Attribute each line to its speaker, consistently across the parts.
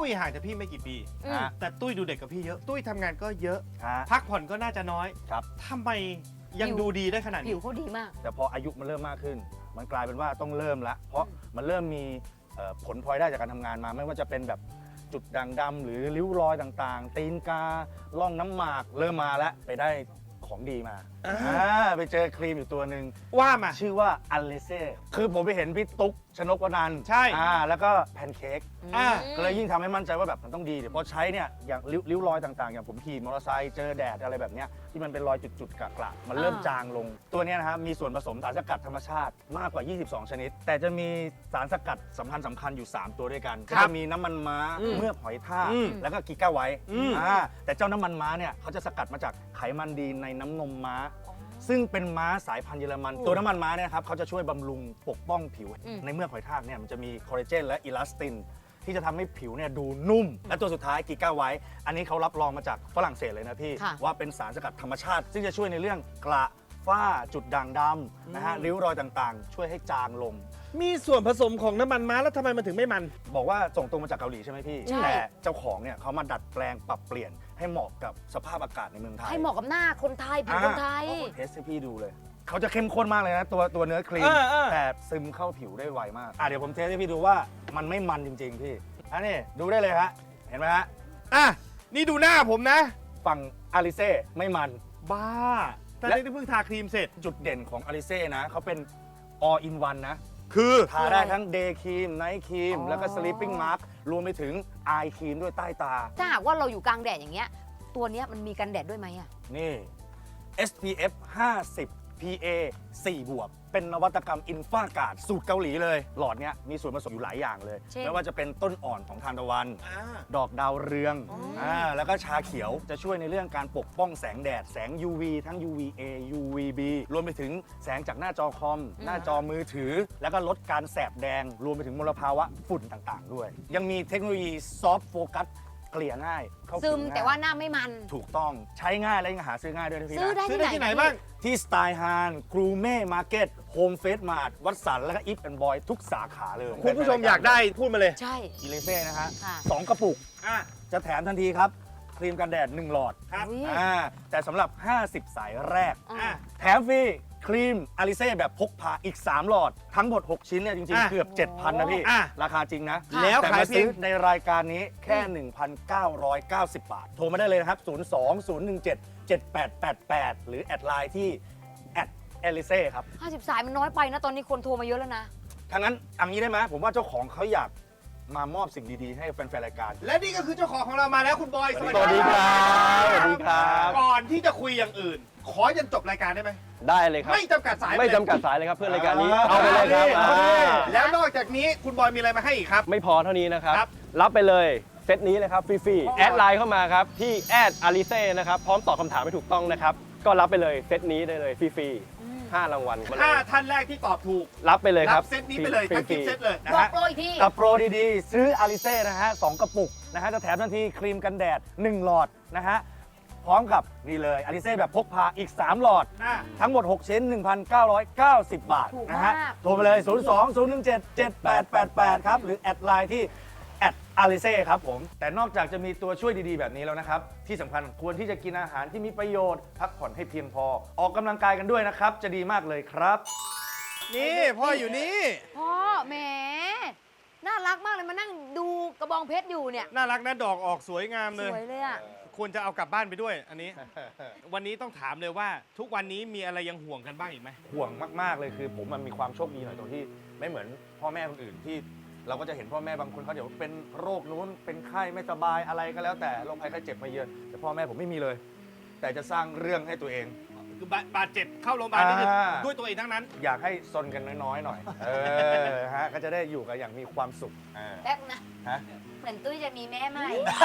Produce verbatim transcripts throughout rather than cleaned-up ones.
Speaker 1: ตุ้ยห่างจากพี่ไม่กี่ปี
Speaker 2: อืม
Speaker 1: แต่ตุ้ยดูเด็กกับพี่เยอะ ตุ้ยทำงานก็เยอะ
Speaker 3: ฮะ
Speaker 1: พักผ่อนก็น่าจะน้อย
Speaker 3: ครับ
Speaker 1: ทำไมยัง
Speaker 2: ผิว
Speaker 1: ดูดีได้ขนาด
Speaker 2: ผิ
Speaker 1: นี้
Speaker 2: วเขาดีมาก
Speaker 3: แต่พออายุมันเริ่มมากขึ้น มันกลายเป็นว่าต้องเริ่มละเพราะมันเริ่มมีเอ่อผลพลอยได้จากการทำงานมา ไม่ว่าจะเป็นแบบจุดด่างดำหรือริ้วรอยต่างๆ ตีนกาล่องน้ำหมากเริ่มมาแล้วไปได้ของดีมา
Speaker 1: อ่า
Speaker 3: อ่าไปเจอครีมอยู่ตัวหนึ่ง
Speaker 1: ว่ามา
Speaker 3: ชื่อว่าอัลเลเซ่คือผมไปเห็นพี่ตุ๊กชนกวนันท์
Speaker 1: ใช่
Speaker 3: อ่าแล้วก็แพนเค้ก
Speaker 1: อ่า
Speaker 3: ก็เลยยิ่งทำให้มั่นใจว่าแบบมันต้องดีเดี๋ยวพอใช้เนี่ยอย่างริ้วริ้วรอยต่างๆ อย่างผมขี่มอเตอร์ไซค์เจอแดดอะไรแบบเนี้ยที่มันเป็นรอยจุดๆกระๆมันเริ่ม
Speaker 2: อ่า
Speaker 3: จางลง ตัวเนี้ยนะครับมีส่วนผสมสารสกัดธรรมชาติมากกว่า ยี่สิบสอง ชนิด แต่จะมีสารสกัดสำคัญสำคัญอยู่ สาม ตัวด้วยกัน
Speaker 1: ครั
Speaker 3: ก็
Speaker 1: บ
Speaker 3: จะมีน้ำมันม้า
Speaker 1: อืม
Speaker 3: เมือกหอยทาก
Speaker 1: อืม
Speaker 3: แล้วก็กิก้าไวท์
Speaker 1: อืม
Speaker 3: อ่าแต่เจ้าน้ำมันม้าเนี่ยเขาจะสกัดมาจากไขมันดีในน้ำนมม้า ซึ่งเป็นม้าสายพันธุ์เยอรมัน ตัวน้ำมันม้าเนี่ยครับเขาจะช่วยบำรุงปกป้องผิว
Speaker 2: อืม
Speaker 3: ในเมือกหอยทากเนี่ยมันจะมีคอลลาเจนและอิลาสติน ที่จะทำให้ผิวเนี่ยดูนุ่ม และตัวสุดท้ายกิก้าไวท์อันนี้เขารับรองมาจากฝรั่งเศสเลยนะพี่
Speaker 2: ค่ะ
Speaker 3: ว่าเป็นสารสกัดธรรมชาติ ซึ่งจะช่วยในเรื่องกระฝ้าจุดด่างดำนะฮะริ้วรอยต่างๆ ช่วยให้จางลง
Speaker 1: มีส่วนผสมของน้ำมันม้าแล้วทำไมมันถึงไม่มัน
Speaker 3: บอกว่าส่งตรงมาจากเกาหลีใช่ไหมพี่
Speaker 2: ใช่
Speaker 3: แต่เจ้าของเนี่ยเขามาดัดแปลงปรับเปลี่ยนให้เหมาะกับสภาพอากาศในเมืองไทย
Speaker 2: ให้เหมาะกับหน้าคนไทยผิวคนไทย
Speaker 3: เทสให้พี่ดูเลย เขาจะเข้มข้นมากเลยนะตัวตัวเนื้อครีม
Speaker 1: เออเออ
Speaker 3: แต่ซึมเข้าผิวได้ไวมาก อ่ะเดี๋ยวผมเทสให้พี่ดูว่ามันไม่มันจริง ๆ พี่ อันนี้ดูได้เลยฮะ เห็นไหมฮะ
Speaker 1: อ่ะ นี่ดูหน้าผมนะ
Speaker 3: ฝั่งอาริเซ่ไม่มัน
Speaker 1: บ้าแต่
Speaker 3: และ
Speaker 1: นี่เพิ่งทาครีมเสร็จ
Speaker 3: จุดเด่นของอาริเซ่นะเขาเป็น all in one นะ
Speaker 1: คือ
Speaker 3: ทาได้ทั้ง day ครีม night ครีม
Speaker 2: อ๋อ
Speaker 3: แล้วก็ sleeping mask รวมไปถึง eye ครีมด้วยใต้ตา
Speaker 2: ถ้าหากว่าเราอยู่กลางแดดอย่างเงี้ย ตัวเนี้ยมันมีกันแดดด้วยไหมอะ
Speaker 3: นี่ เอส พี เอฟ ห้าสิบ พี เอ สี่ บวก เป็นนวัตกรรมอินฟากาดสูตรเกาหลีเลย หลอดเนี้ยมีส่วนผสมอยู่หลายอย่างเลย
Speaker 2: เช่น
Speaker 3: ไม่ว่าจะเป็นต้นอ่อนของทานตะวัน
Speaker 1: อ่า
Speaker 3: ดอกดาวเรือง
Speaker 2: อ๋ออ่
Speaker 3: ่าแล้วก็ชาเขียวจะช่วยในเรื่องการปกป้องแสงแดด แสง ยู วี ทั้ง ยู วี เอ ยู วี บี รวมไปถึงแสงจากหน้าจอคอม หน้าจอมือถือ แล้วก็ลดการแสบแดง รวมไปถึงมลภาวะฝุ่นต่างๆ ด้วย ยังมีเทคโนโลยีซอฟต์โฟกัสเกลี่ยง่ายเข้า
Speaker 2: ซึ
Speaker 3: ผิ
Speaker 2: ม
Speaker 3: ง่ย
Speaker 2: แต่ว่าหน้าไม่มัน
Speaker 3: ถูกต้องใช้ง่ายและยังหาซื้อง่ายด้วยนะพี่
Speaker 2: ซื้อ
Speaker 3: นะ
Speaker 2: ได้
Speaker 1: ซื้อ
Speaker 2: ที่
Speaker 1: ได้
Speaker 2: ไหน
Speaker 1: ที่ไหน
Speaker 2: คะ
Speaker 1: บ้าง
Speaker 3: ที่สไตล์ฮานกรูเม่มาร์เก็ตโฮมเฟสมาร์ทวัดสันแล้วก็อิฟแอนด์บอยทุกสาขาเลย
Speaker 1: คุณผู้ชมอยากได้พูดมาเลย
Speaker 2: ใช่
Speaker 3: อีเลเซ่นะฮะ
Speaker 2: ค่ะ
Speaker 3: สองกระปุก
Speaker 1: อ่ะ
Speaker 3: จะแถมทันทีครับ ครีมกันแดด หนึ่ง หลอด
Speaker 1: ครับ
Speaker 2: อุ๊ย
Speaker 3: อ่าแต่สำหรับ ห้าสิบ สายแรก
Speaker 2: อ่ะ
Speaker 1: อ่ะ
Speaker 3: แถมฟรีครีมอาริเซ่แบบพกพาอีก สาม หลอด ทั้งหมด หก ชิ้นเนี่ยจริง
Speaker 1: อ่ะ
Speaker 3: ๆ เกือบ เจ็ดพัน นะพี่
Speaker 1: อ่ะ
Speaker 3: ราคาจริงนะ
Speaker 2: ค่ะ
Speaker 1: แล้ว
Speaker 3: แต่
Speaker 1: ขาย
Speaker 3: มา
Speaker 1: เพีย
Speaker 3: ซื้อง ในรายการนี้แค่ หนึ่งพันเก้าร้อยเก้าสิบ บาท โทรมาได้เลยนะครับ ศูนย์ สอง ศูนย์ หนึ่ง เจ็ด เจ็ด แปด แปด แปด หรือแอดไลน์ที่แอดเอลิเซ่ครับ
Speaker 2: ห้าสิบสายมันน้อยไปนะ ตอนนี้คนโทรมาเยอะแล้วนะ
Speaker 3: ทั้างนั้นเอังนี้ได้ไหมผมว่าเจ้าของเขาอยากมามอบสิ่งดีๆ ให้แฟนๆรายการ
Speaker 1: และนี่ก็คือเจ้าของของเรามาแล้วคุณบอย
Speaker 3: สวัสดีครับสวัสดีครับ
Speaker 1: ก่อนที่จะคุยอย่างอื่น ขอยันจบรายการได้ไหม
Speaker 4: ได้เลยครับ
Speaker 1: ไม่จำกัดสาย
Speaker 4: ไม่
Speaker 1: เลย
Speaker 4: จำกัดสายเลยครับเพื่อนรายการนี้
Speaker 1: อ่า
Speaker 4: เอาไปเลยครับ
Speaker 1: เอาดิ
Speaker 4: อ่า
Speaker 1: แล้วนอกจากนี้คุณบอยมีอะไรมาให้อีกครับ
Speaker 4: ไม่พอเท่านี้นะครับ
Speaker 1: ครับ
Speaker 4: รับไปเลยเซตนี้เลยครับฟรีๆแอดไลน์เข้ามาครับที่แอดอาริเซ่นะครับพร้อมตอบคำถามให้ถูกต้องนะครับก็รับไปเลยเซตนี้ได้เลยฟรีๆห้ารางวัลมาเลย
Speaker 1: ถ้าท่านแรกที่ตอบถูก
Speaker 4: รับไปเลยค
Speaker 1: รั
Speaker 4: รั
Speaker 1: บบ เซตนี้ไปเลยทั้ง
Speaker 4: ฟ
Speaker 1: กิ
Speaker 4: รี
Speaker 1: ฟต์
Speaker 4: ๆ
Speaker 1: เซตเลยนะ
Speaker 2: บอก
Speaker 1: ฮะ
Speaker 2: โปรอีกที
Speaker 3: กับโปรดีๆ ซื้ออาริเซ่นะฮะสองกระปุกนะฮะจะแถมทันทีครีมกันแดด หนึ่ง หลอดนะฮะพร้อมกับนี่เลยอาริเซ่แบบพกพาอีก สาม หลอด
Speaker 1: อ่ะ
Speaker 3: ทั้งหมด หก ชิ้น หนึ่งพันเก้าร้อยเก้าสิบ บาท
Speaker 2: ถูก
Speaker 3: นะฮะ
Speaker 2: มาก
Speaker 3: โทรไปเลย ศูนย์ สอง ศูนย์ หนึ่ง เจ็ด เจ็ด แปด แปด แปด ครับ หรือแอดไลน์ที่แอดอาริเซ่ครับผม แต่นอกจากจะมีตัวช่วยดีๆ แบบนี้แล้วนะครับ ที่สำคัญควรที่จะกินอาหารที่มีประโยชน์ พักผ่อนให้เพียงพอ ออกกำลังกายกันด้วยนะครับ จะดีมากเลยครับ
Speaker 1: นี่พ่ออยู่นี่
Speaker 2: พ่อแหมน่ารักมากเลยมานั่งดูกระบองเพชรอยู่เนี่ย
Speaker 1: น่ารักนะดอกออกสวยงาม
Speaker 2: ส
Speaker 1: เลย
Speaker 2: วยเลยอ่ะ
Speaker 1: ควรจะเอากลับบ้านไปด้วยอันนี้ วันนี้ต้องถามเลยว่า ทุกวันนี้มีอะไรยังห่วงกันบ้างอีกไหม
Speaker 3: ห่วงมากๆเลยคือผมมันมีความโชคดีหน่อยตรงที่ไม่เหมือนพ่อแม่คนอื่นที่เราก็จะเห็นพ่อแม่บางคนเขาเดี๋ยวเป็นโรคนู้นเป็นไข้ไม่สบายอะไรก็แล้วแต่โรคภัยไข้เจ็บมาเยือนแต่พ่อแม่ผมไม่มีเลย แต่จะสร้างเรื่องให้ตัวเอง
Speaker 1: คือบาบาดเจ็บเข้าโรงพยาบาลนี่คือ
Speaker 3: อ่า
Speaker 1: ด้วยตัวเองทั้งนั้น
Speaker 3: อยากให้ซนกันน้อยๆหน่อย เออฮะก็จะได้อยู่กันอย่างมีความสุขอ่า
Speaker 2: แป๊บนะ
Speaker 3: ฮะ
Speaker 2: เหมือนตุ้ยจะมีแม่ใหม่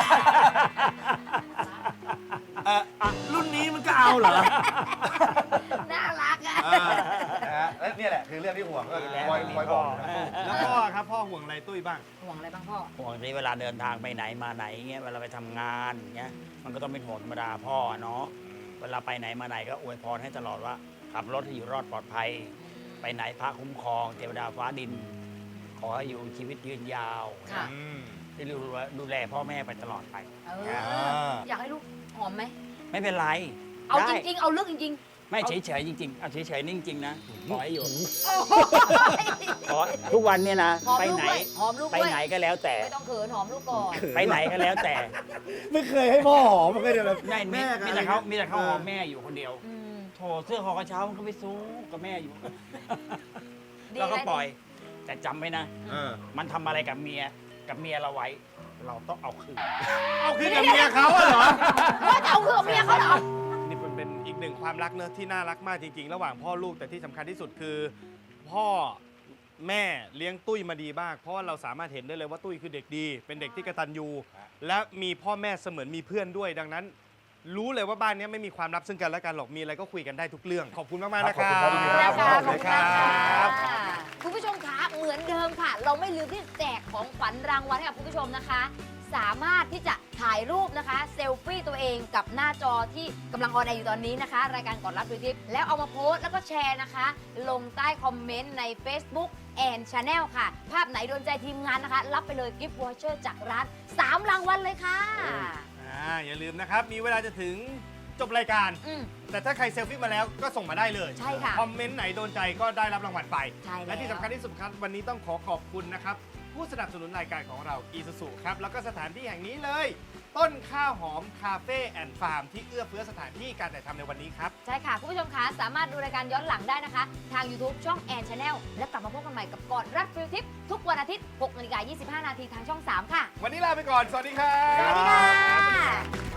Speaker 3: เอ่ออ่ะรุ่นนี้มันก็เอาเหรอ
Speaker 2: น่ารักอ่ะ
Speaker 3: อ่านะฮะและเนี่ยแหละคือเรื่องที่ห่วงก็คอยคอยบอกนะ
Speaker 1: แล้วพ่อครับพ่อห่วงอะไรตุ้ยบ้าง
Speaker 2: ห่วงอะไรบ้างพ่อ
Speaker 5: ห่วงที่เวลาเดินทางไปไหนมาไหนเงี้ยเวลาไปทำงานเงี้ยมันก็ต้องเป็นห่วงธรรมดาพ่อเนาะเวลาไปไหนมาไหนก็อวยพรให้ตลอดว่าขับรถให้อยู่รอดปลอดภัย ไปไหนพระคุ้มครองเทวดาฟ้าดินขอให้อยู่ชีวิตยืนยาว
Speaker 2: ค่ะ
Speaker 1: อืม
Speaker 5: ที่ดูแลดูแลพ่อแม่ไปตลอดไป
Speaker 2: เอออยากให้ลูกหอมไหม
Speaker 5: ไม่เป็นไร
Speaker 2: เอา
Speaker 5: ได้
Speaker 2: จริง ๆ เอาเรื่องจริง
Speaker 5: ไม่เฉยๆจริงๆเอาเฉยๆนิ่งจริงๆนะขอให้อยู่
Speaker 2: ๆโอ้โห
Speaker 5: ขอทุกวันเนี่ยนะ
Speaker 2: หอม
Speaker 5: ไป
Speaker 2: ลูก
Speaker 5: ไหน
Speaker 2: ด้วยหอมลูก
Speaker 5: ไป
Speaker 2: ด้วย
Speaker 5: ไหนก็แล้วแต่
Speaker 2: ไม่ต้องเขินหอมลูกก่อน
Speaker 5: ไปไหนก็แล้วแต่
Speaker 3: ไม่เคยให้พ่อหอมมันก็เดี๋ยวแบบ
Speaker 5: ไม่มี
Speaker 3: แม่กับ
Speaker 5: มี
Speaker 3: อะไร
Speaker 5: แต่เขา
Speaker 3: นะ
Speaker 5: มีแต่เขาหอมแม่อยู่คนเดียว
Speaker 2: อืม
Speaker 5: โถเสื้อคอกระเช้ามันก็ไปซู้กับแม่อยู่
Speaker 2: ดี
Speaker 5: แล้วก็
Speaker 2: นะ
Speaker 5: ปล่อย แต่จำไว้นะ
Speaker 1: เออ
Speaker 5: มันทำอะไรกับเมียกับเมียเราไว้ เราต้องเอาคืน
Speaker 1: เอาคืนกับเมียเขาอะเหรอ
Speaker 2: ว่าจะเอาเรื่องเมียเขาเหรอ
Speaker 1: นี่มันเป็นอีกหนึ่งความรักเนอะที่น่ารักมากจริงๆ ระหว่างพ่อลูกแต่ที่สำคัญที่สุดคือ พ่อแม่เลี้ยงตุ้ยมาดีมาก เพราะว่าเราสามารถเห็นได้เลยว่าตุ้ยคือเด็กดี เป็นเด็กที่กตัญญูและมีพ่อแม่เสมือนมีเพื่อนด้วย ดังนั้น รู้เลยว่าบ้านนี้ไม่มีความลับซึ่งกันและกันหรอกมีอะไรก็คุยกันได้ทุกเรื่อง ขอบคุณมากๆนะครับ
Speaker 3: ขอบคุณครับ
Speaker 2: นะคะขอบคุณมากค่ะ
Speaker 1: ครับ
Speaker 2: คุณผู้ชมคะเหมือนเดิมค่ะ เราไม่ลืมที่จะแจกของขวัญรางวัลให้กับคุณผู้ชมนะคะ สามารถที่จะถ่ายรูปนะคะเซลฟี่ตัวเองกับหน้าจอที่กำลังออนแอร์อยู่ตอนนี้นะคะ รายการก่อนรับดูทิปแล้วเอามาโพสต์แล้วก็แชร์นะคะ ลงใต้คอมเมนต์ใน Facebook and Channel ค่ะ ภาพไหนโดนใจทีมงานนะคะ รับไปเลยกิฟต์วอเชอร์จากร้านสามรางวัลเลยค่ะ
Speaker 1: อ่าอย่าลืมนะครับ มีเวลาจะถึงจบรายการ
Speaker 2: อืม
Speaker 1: แต่ถ้าใครเซลฟี่มาแล้วก็ส่งมาได้เลย
Speaker 2: ใช่ค่ะ
Speaker 1: คอมเมนต์ไหนโดนใจก็ได้รับรางวัลไป
Speaker 2: ใช่แล้ว
Speaker 1: และที่สำคัญที่สุดครับวันนี้ต้องขอขอบคุณนะครับ ผู้สนับสนุนรายการของเรา Isuzu ครับ แล้วก็สถานที่แห่งนี้เลย ต้นข้าวหอมคาเฟ่แอนด์ฟาร์มที่เอื้อเฟื้อสถานที่การถ่ายทำในวันนี้ครับ
Speaker 2: ใช่ค่ะ คุณผู้ชมคะสามารถดูรายการย้อนหลังได้นะคะ ทาง YouTube ช่องแอนชาแนลและกลับมาพบกันใหม่กับก่อนรับฟิลทิปทุกวันอาทิตย์หกนาฬิกายี่สิบห้านาทีทางช่องสามค่ะ
Speaker 1: วันนี้ลาไปก่อน สวัสดีครับ
Speaker 2: สวัสดีค่ะ